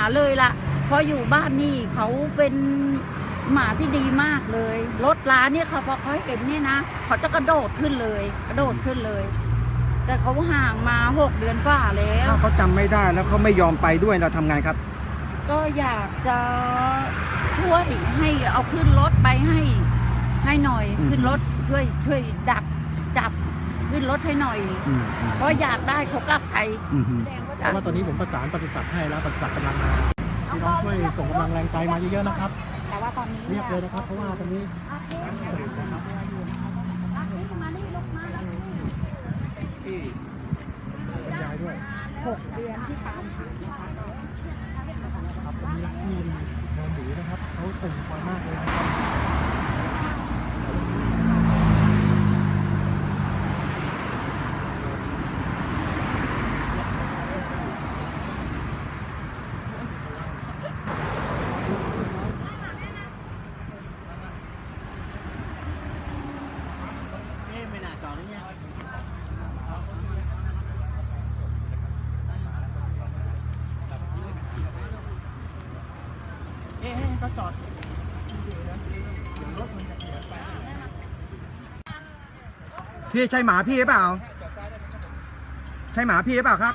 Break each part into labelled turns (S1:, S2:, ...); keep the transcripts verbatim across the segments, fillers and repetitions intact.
S1: เลยล่ะเพราะอยู่บ้านนี่เขาเป็นหมาที่ดีมากเลยรถล้าเนี่ยเขาพอเขาเห็นเนี่ยนะเขาจะกระโดดขึ้นเลยกระโดดขึ้นเลย แต่เขาห่างมาหกเดือนกว่าแล้ว
S2: ถ้าเขาจำไม่ได้แล้วเขาไม่ยอมไปด้วยเราทำไงครับ
S1: ก็อยากจะช่วยให้เอาขึ้นรถไปให้ให้หน่อยขึ้นรถช่วยช่วยดักจับขึ้นรถให้หน่อยเพราะอยากได้เขากลับไป
S3: เพราะว่าตอนนี้ผมประสานปศุสัตว์ให้แล้วปศุสัตว์กำลังมาพี่น้องช่วยส่งกำลังแรงใจมาเยอะๆนะครับ
S1: แต่ว่าตอนนี้
S3: เรียบเลยนะครับเพราะว่าตอนนี้
S1: หกเดือนที่ตามหา
S3: ครับตอนนี้รักที่นอนหนูนะครับเขาตื่นคอยมากเลยนะครับไม่น่าจอดเลยเนี่ยเอ๊ะก็จอด
S2: พี่ใช่หมาพี่หรือเปล่าใช่หมาพี่หรือเปล่าครับ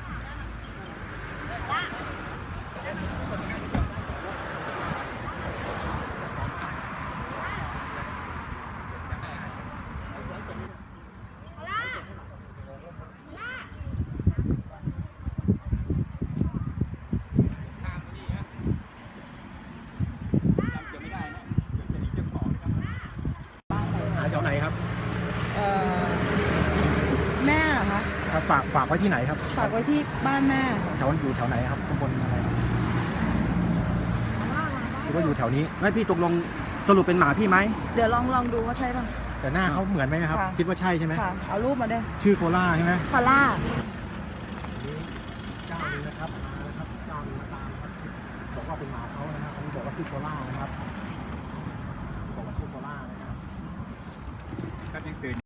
S3: หาแถวไหนครับ
S1: แม่เหรอคะ
S3: ฝากฝากไว้ที่ไหนครับ
S1: ฝากไว้ที่บ้านแม่
S3: แถวอยู่แถวไหนครับตำบลอะไรหรือว่าอยู่แถวนี้
S2: ไม่พี่ตกลงสรุปเป็นหมาพี่ไหม
S1: เดี๋ยวลองลองดูว่าใช่ป่ะ
S3: แต่หน้าเขาเหมือนไหมครับคิดว่าใช่ใช่ไหม
S1: ค่ะเอารูปมาด้วย
S3: ชื่อโคล่าใช่ไหม
S1: โคล่า
S3: เจ้านี้นะครับมาแล้วครับเจ้านี้มาตามครับบอกว่าเป็นหมาเขานะครับเขาบอกว่าชื่อโคล่านะครับ